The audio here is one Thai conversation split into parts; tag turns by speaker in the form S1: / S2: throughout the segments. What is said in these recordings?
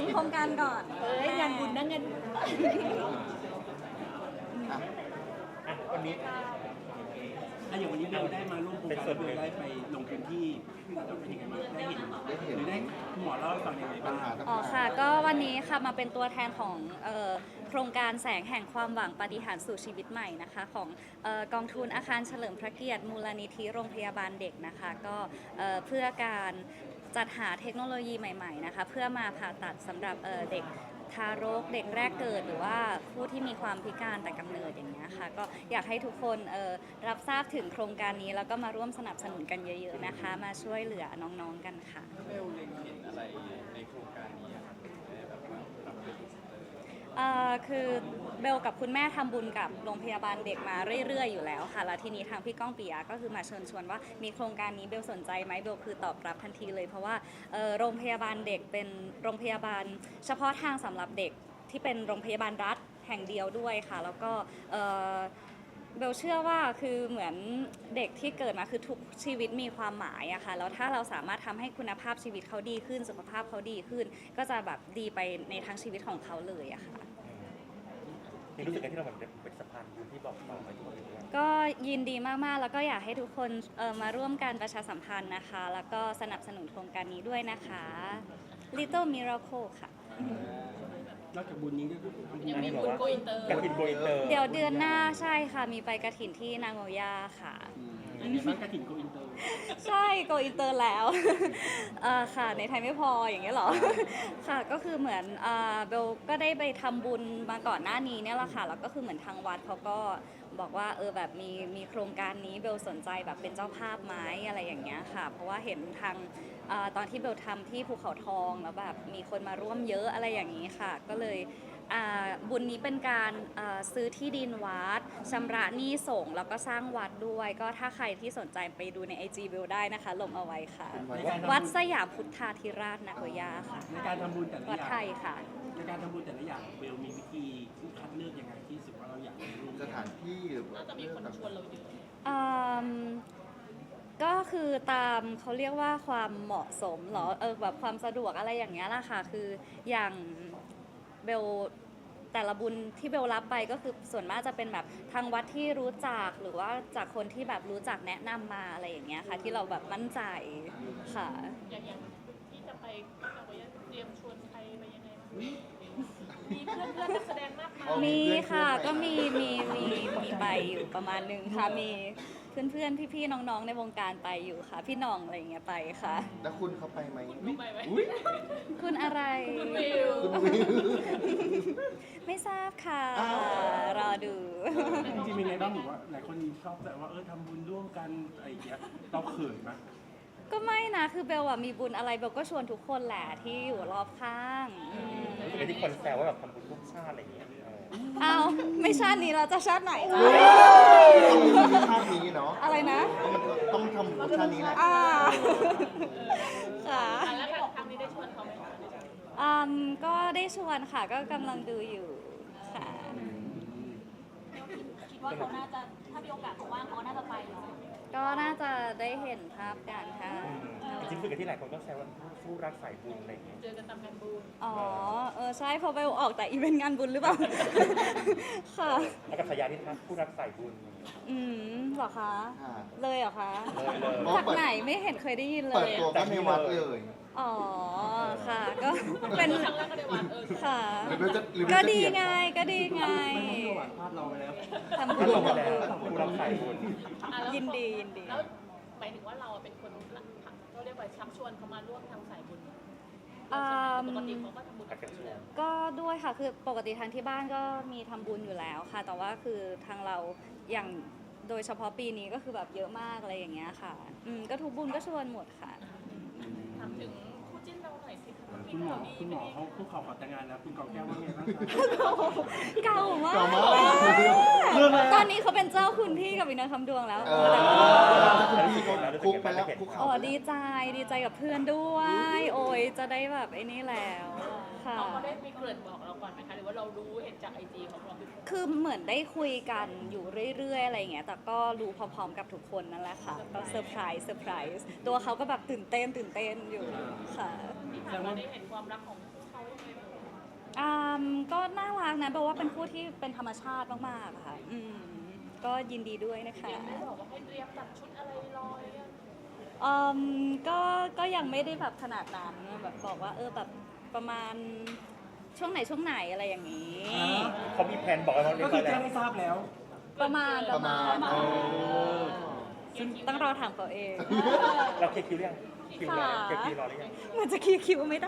S1: โครงการก่อน
S2: งานบุญนะเงิน
S3: อ่ะ
S4: วันนี้
S5: อย่างวันนี้เราได้มาร่วมโครงการด้วยได้ไปลงพื้นที่เป็นยังไงบ้างได้เห็นหรือได้คุณหมอเล่าให้ฟังยังไง
S3: ปัญ
S5: บ้าง
S3: หาต่าง
S1: อ๋อค่ะก็วันนี้ค่ะมาเป็นตัวแทนของโครงการแสงแห่งความหวังปาฏิหาริย์สู่ชีวิตใหม่นะคะของกองทุนอาคารเฉลิมพระเกียรติมูลนิธิโรงพยาบาลเด็กนะคะก็เพื่อการจัดหาเทคโนโลยีใหม่ๆนะคะเพื่อมาผ่าตัดสำหรับเด็กทารกเด็กแรกเกิดหรือว่าผู้ที่มีความพิการแต่กำเนิดอย่างเงี้ยค่ะก็อยากให้ทุกคนรับทราบถึงโครงการนี้แล้วก็มาร่วมสนับสนุนกันเยอะๆนะคะมาช่วยเหลือน้องๆกันค่ะ
S4: เบลเล็งเห็นอะไรในโครงการนี้ครับได้แบบว่ารับเป็น
S1: คือเบลกับคุณแม่ทำบุญกับโรงพยาบาลเด็กมาเรื่อยๆอยู่แล้วค่ะแล้วทีนี้ทางพี่ก้องปิยะก็คือมาเชิญชวนว่ามีโครงการนี้เบลสนใจไหมเบลคือตอบรับทันทีเลยเพราะว่าโรงพยาบาลเด็กเป็นโรงพยาบาลเฉพาะทางสำหรับเด็กที่เป็นโรงพยาบาลรัฐแห่งเดียวด้วยค่ะแล้วก็เบลเชื่อว่าคือเหมือนเด็กที่เกิดมาคือทุกชีวิตมีความหมายอะค่ะแล้วถ้าเราสามารถทำให้คุณภาพชีวิตเขาดีขึ้นสุขภาพเขาดีขึ้น ก็จะแบบดีไปในทั้งชีวิตของเขาเลยอะค่ะ
S6: นี่รู้สึกไงที่เราเหมือนเป็นสะพานบุญที่บอกต่อไปทุกคนเลย
S1: ก็ยินดีมากๆแล้วก็อยากให้ทุกคนมาร่วมกันประชาสัมพันธ์นะคะแล้วก็สนับสนุนโครงการนี้ด้วยนะคะ Little Miracle ค่ะ
S5: นอกจากบุญนี้ก็
S2: ยังมีบุญโกอินเตอร์
S6: การบินโกอินเตอร์
S1: เดี๋ยวเดือนหน้าใช่ค่ะมีไปกระถินที่นางโงย่าค่ะ
S5: อันนี้บ้านกระถิ่นโกอินเตอร์
S1: ใช่โกอินเตอร์แล้ว ค่ะในไทยไม่พออย่างเงี้ยเหรอ ค่ะก็คือเหมือนเบลก็ได้ไปทำบุญมาก่อนหน้านี้เนี่ยแหละค่ะแล้วก็คือเหมือนทางวัดเขาก็บอกว่าแบบมีโครงการนี้เบลสนใจแบบเป็นเจ้าภาพไหมอะไรอย่างเงี้ยค่ะเพราะว่าเห็นทางตอนที่เบลทำที่ภูเขาทองแล้วแบบมีคนมาร่วมเยอะอะไรอย่างนี้ค่ะก็เลยบุญนี้เป็นการซื้อที่ดินวัดชำระหนี้สงฆ์แล้วก็สร้างวัดด้วยก็ถ้าใครที่สนใจไปดูใน IG เบลได้นะคะลงเอาไว้ค่ะ วัดสยามพุทธาธิราชนาโกย่าค่ะ
S5: ในการทำบุญแต่ละ
S1: วัด
S5: อย่า
S1: ไท
S5: ง
S1: ยค่ะ
S5: ในการทำบุญแต่ละอย่างเบลมีวิธีคัดเลือกยังไงที่รู้สึกว่าเราอยากไปร่วม
S3: ๆสถานที่หรือว่า
S2: น่าจะมีคนชวนเราเยอะ
S1: ก็คือตามเขาเรียกว่าความเหมาะสมเหรอแบบความสะดวกอะไรอย่างเงี้ยล่ะค่ะคืออย่างเบลแต่ละบุญที่เบลรับไปก็คือส่วนมากจะเป็นแบบทางวัดที่รู้จักหรือว่าจากคนที่แบบรู้จักแนะนำมาอะไรอย่างเงี้ยค่ะที่เราแบบมั่นใจค่ะ
S2: อย่างที่จะไปเราก็เตรียมชวนใครไปยังไงบ้างมีเพื่อนนักแสดงมากมาย
S1: มีค่ะก็มีไปอยู่ประมาณนึงค่ะมีเพื่อนๆพี่ๆน้องๆในวงการไปอยู่ค่ะพี่น้องอะไรอย่างเงี้ยไปค่ะ
S3: แล้วคุณเขาไปไหม
S2: ไปไหม
S1: คุณอะไร
S2: คุณวิว
S3: คุณวิว
S1: ไม่ทราบค่ะ
S3: อ้าว
S1: รอดู
S5: จริงๆเป็นไงบ้างหรือว่าหลายคนชอบแต่ว่าทำบุญร่วมกันอะไรอย่างเงี้ยเราเขินไหม
S1: ก็ไม่นะคือเบลอะมีบุญอะไรเบลก็ชวนทุกคนแหละที่อยู่รอบข้าง
S6: รู้สึกไงที่คนแซวว่าแบบทำบุญทุกชาติอะไรอย่างเงี้ย
S1: เอาไม่ชาตินี้เราจะชาติไหนล่ะ
S3: ต้องมีชาตินี้เนาะ
S1: อะไรนะ
S3: ต้องทำบุญชาตินี้แหละ
S1: ค่ะ
S2: แล้วครั้งนี้ได้ชวนเขาไหมคะ
S1: ก็ได้ชวนค่ะก็กำลังดูอยู่ค่ะ
S2: คิดว่าเขาน่าจะถ้ามีโอกาสเขาว่างเขาน่าจะไปเนาะ
S1: ก็น่าจะได้เห็นภาพกันค่ะ
S6: จริงๆรู้สึกไงที่หลายคนก็แซวว่าผู้รักสายบุญอะไรอย่างเงี้ย
S2: เจอกันตามงานบุญ
S1: อ๋อใช่เพอเบลออกแต่อีเวนต์งานบุญหรือเปล่า ค่ะ
S6: แล้วกับฉายาที่ผู้รักสายบุญอะไรอย่างเงี้ย
S1: เหรอคะ
S3: ค่ะ
S1: เลยเหรอคะ
S6: เลย
S1: จากไหนไม่เห็นเคยได้ยินเล
S3: เปิด
S1: ย
S3: ตัวก็ในวัดเลย
S1: อ๋อ ค่ะ ก็เป็น
S2: ครั้งแรกก็ได้วัน
S1: ค่ะ
S3: หรือเบลจะหรือเบล
S1: ก็
S3: จะ
S1: ดี
S3: เถียง
S1: ไง ก็ดีไง
S5: มันต้องมีหวานภาพเราไปแล้ว
S1: ทำบุ
S6: ก็
S1: ญ
S6: ลงมาแล้วผู้รักสายบุญ
S1: ยินดียินดี
S2: แล้วหมายถึงว่าเราเป็นคนเขาเรียกว่าชักชวนเขามาร่วมทางสายบุญปกติเขาก็ทำบุญกับเราอยู่แล้ว
S1: ก็ด้วยค่ะ คือปกติทางที่บ้านก็มีทำบุญอยู่แล้วค่ะ แต่ว่าคือทางเราอย่างโดยเฉพาะปีนี้ก็คือแบบเยอะมากอะไรอย่างเงี้ยค่ะ ก็ทุกบุญก็ชวนหมดค่ะ
S2: ถามถึงคู่จิ้นเราหน่อยสิคะ
S5: คุณหมอเขาคู่เขาขอแต่งงานแล้วคุณกองแก้วว่าไงบ้างคะ
S1: เก่ามาก
S3: เก่ามากเรื่องอะไร
S1: ตอนนี้เขาเป็นเจ้าคุณพี่กับวินาคำดวงแล้ว
S3: คุกไปแล้วคุก
S1: อ๋
S3: เขา
S1: อดีใจกับเพื่อนด้วย โอ้ยจะได้แบบไอ้นี่แล้วค่ะ
S2: เขาได้มีเกริ่นบอกเราก่อนไหมคะหรือว่าเรารู้เห็นจากไอจีของเรา
S1: คือเหมือนได้คุยกันอยู่เรื่อยๆอะไรอย่างเงี้ย แต่ก็รู้พร้อมๆกับทุกคนนั่นแหละค่ะ ก็เซอร์ไพรส์ตัวเขาก็แบบตื่นเต้นอยู่ค่ะ
S2: ที่ผ่านมาได้เห็นความรักของเขายังไงบ้าง
S1: ก็น่ารักนะแปลว่าเป็นคู่ที่เป็นธรรมชาติมากๆอะค่ะก็ยินดีด้วยนะคะ
S2: ยังไม่บอกว่าให้เตรียมตัดชุดอะไรรอหรือยัง
S1: ก็ยังไม่ได้แบบขนาดนั้นแบบบอกว่าแบบประมาณช่วงไหนอะไรอย่างนี้
S6: เขามีแผนบอกอะไรบ้างเรี
S5: ก็
S6: ยบ
S5: คื
S6: ร้อ
S5: อย แจ้
S6: แล้ว
S5: งให้ทราบแล้ว
S1: ประมาณ
S2: ซึ่ง
S1: ต้องรอถามเขาเอง
S6: เราเคลียร์คิวหรือยังคิวรอเคลียร์คิวรอหรือยัง
S1: มันจะคีย์คิวไม่ได้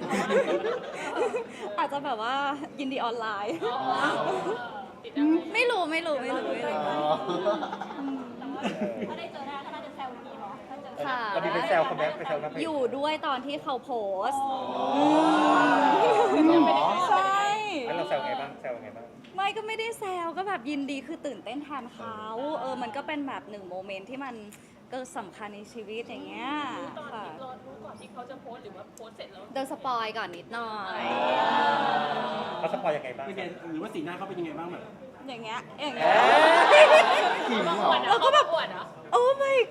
S1: อาจจะแบบว่ายินดีออนไลน์
S2: ติดอะไร
S1: ไม่รู้
S7: ถ้าได้เจอหน้าก็น่าจะแซวดีเนาะถ้าเจอ
S1: ค่ะ
S6: เรามีไปแซวเขาไหมไปแซวนะ
S1: อยู่ด้วยตอนที่เขาโพสต์
S3: หรอ
S1: ใช่
S6: แล้วเราแซวไงบ้างแซวไงบ้าง
S1: ไม่ก็ไม่ได้แซวก็แบบยินดีคือตื่นเต้นแทนเขามันก็เป็นแบบหนึ่งโมเมนต์ที่มันก็สำคัญในชีวิตอย่างเงี้ย
S2: ตอน
S1: ค่ะ
S2: ที่รอรู้ก่อนที่เขาจะโพสต์หรือว่าโพสต์เสร็จแล้ว
S1: โดนสปอยก่อนนิดหน่อย
S6: เขาสปอยยังไงบ้าง
S5: เป็นไงหรือว่าสีหน้าเขาเป็นยังไงบ้างแบบ
S1: อย่างเงี้ย
S3: ขิงเหรอ
S2: แล้วก็แบบอวดเหรอ
S1: โอ้ my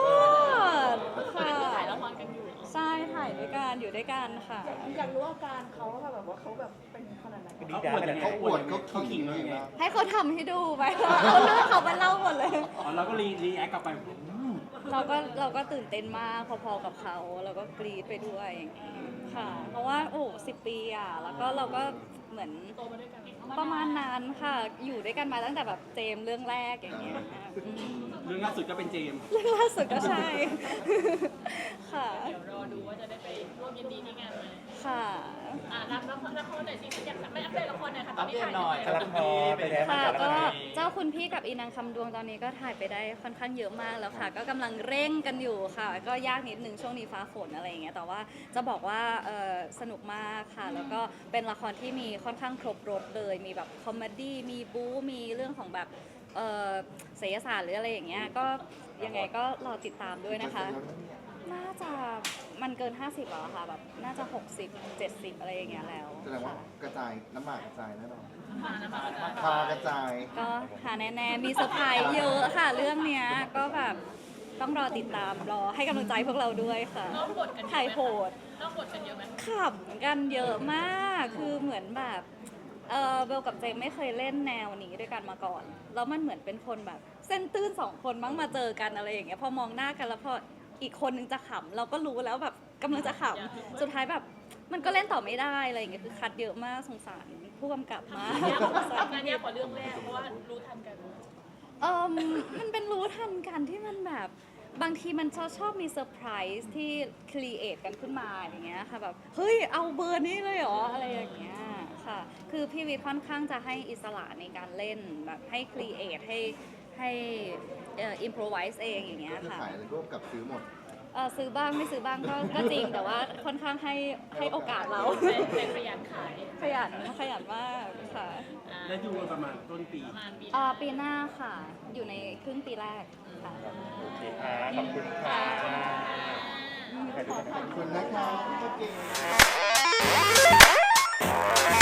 S1: god ค่ะ
S2: ถ่ายละครกันอยู่เหรอ
S1: ใช่ถ่ายด้วยกันอยู่ด้วยกันค่ะ
S7: อยากรู้อาการเขาว่าแบบว่าเขาแบบเป็นขนาดไหน
S6: ดี
S5: เขา
S6: ด้า
S5: อวดยังไง
S3: เขาอวดเขา
S5: เขา
S3: ขิ
S5: ขิ
S3: ง
S5: ง
S3: เล
S5: เรา
S3: ย
S5: ยังไง
S3: นะ
S1: ให้เขาทำให้ดูไปเอาเรื่องเขาไปเล่าหมดเลย
S5: อ๋อเราก็รีแอคกลับไป
S1: เราก็ตื่นเต้นมากพอๆกับเขาเราก็กรี๊ดไปด้วยอย่างนี้ค่ะ เพราะว่า10 ปีอ่ะแล้วก็เราก็เหมือน
S2: โตมาด้วยกัน
S1: ประมาณนั้นค่ะ อยู่ด้วยกันมาตั้งแต่แบบเจมส์เรื่องแรกอย่างเงี้ยอืม
S5: เรื่องล่าสุดก็เป็นเจมส์
S1: เรื่องล่าสุดก็ใช่ ค่ะ
S2: เดี๋ยวรอดูว่าจะได้ไปร่วมยินดีที่งานไหม
S1: ค่ะ
S2: รับละครหน่อยสิอยากไม่อัปเดตละครหน่อยค่ะตอนนี้ถ่าย
S6: กำลังพอไปแล้ว
S1: ค่ะ
S6: แล้ว
S1: ก็
S6: นะ
S1: เจ้าคุณพี่กับอีนางคำดวงตอนนี้ก็ถ่ายไปได้ค่อนข้างเยอะมากแล้วค่ะ ก็กำลังเร่งกันอยู่ค่ะ ก็ยากนิดนึงช่วงนี้ฟ้าฝนอะไรอย่างเงี้ยแต่ว่าจะบอกว่าสนุกมากค่ะ แล้วก็เป็นละครที่มีค่อนข้างครบรสเลยมีแบบคอมเมดี้มีบู๊มีเรื่องของแบบศิลปศาสตร์หรืออะไรอย่างเงี้ยก็ยังไงก็รอติดตามด้วยนะคะ น่าจะมันเกิน 50แล้วอะค่ะแบบน่าจะ 60 70 อะไรอย่างเงี้ยแล้ว
S3: แสดงว่า
S1: ค่ะ
S3: กระจายน้ำหมากกระจายแน่นอน
S2: มานะมา
S3: พากระจาย
S1: ก็หาแน่ๆมีเซอร์ไพรส์เยอะค่ะเรื่องเนี้ยก็แบบต้องรอติดตามรอให้กำลังใจพวกเราด้วยค่ะ
S2: น้องบทกัน
S1: ถ่ายโหด
S2: น้องบทกันเยอะไหม
S1: ขำกันเยอะมากคือเหมือนแบบเบลกับเจมไม่เคยเล่นแนวนี้ด้วยกันมาก่อน แล้วมันเหมือนเป็นคนแบบเส้นตื้นสองคนมั้งมาเจอกันอะไรอย่างเงี้ยพอมองหน้ากันแล้วพออีกคนนึงจะขำเราก็รู้แล้วแบบกำลังจะขำสุดท้ายแบบมันก็เล่นต่อไม่ได้อะไรอย่างเงี้ยคือคัดเยอะมากสงสารผู้กำกับมาก
S2: งานยากกว่าเรื่องแรกเพราะว่ารู้ทันกัน
S1: มันเป็นรู้ทันกันที่มันแบบบางทีมันชอบมีเซอร์ไพรส์ที่ครีเอทกันขึ้นมาอย่างเงี้ยค่ะแบบเฮ้ยเอาเบอร์นี้เลยเหรออะไรอย่างเงี้ยค่ะคือพี่วิทย์ค่อนข้างจะให้อิสระในการเล่นแบบให้ครีเอทให้อิมพรไวส์เองอย่างเงี้ย
S3: คือ
S1: ค่ะ
S3: ขายอะไรร่วมกับซื้อหมด
S1: ซื้อบ้างไม่ซื้อบ้างก็จริงแต่ว่าค่อนข้างให้โอกาสเรา
S2: เป็นขยันขาย
S1: ขยันมากค่ะ
S5: แล้วดูกันประมาณต้นปี
S2: ประมาณปี
S1: ปีหน้าค่ะ อยู่ในครึ่งปีแรกค่ะ
S6: โอเคค่ะขอบคุณค่ะ
S3: ขอบคุณนะคะพี่เก่ง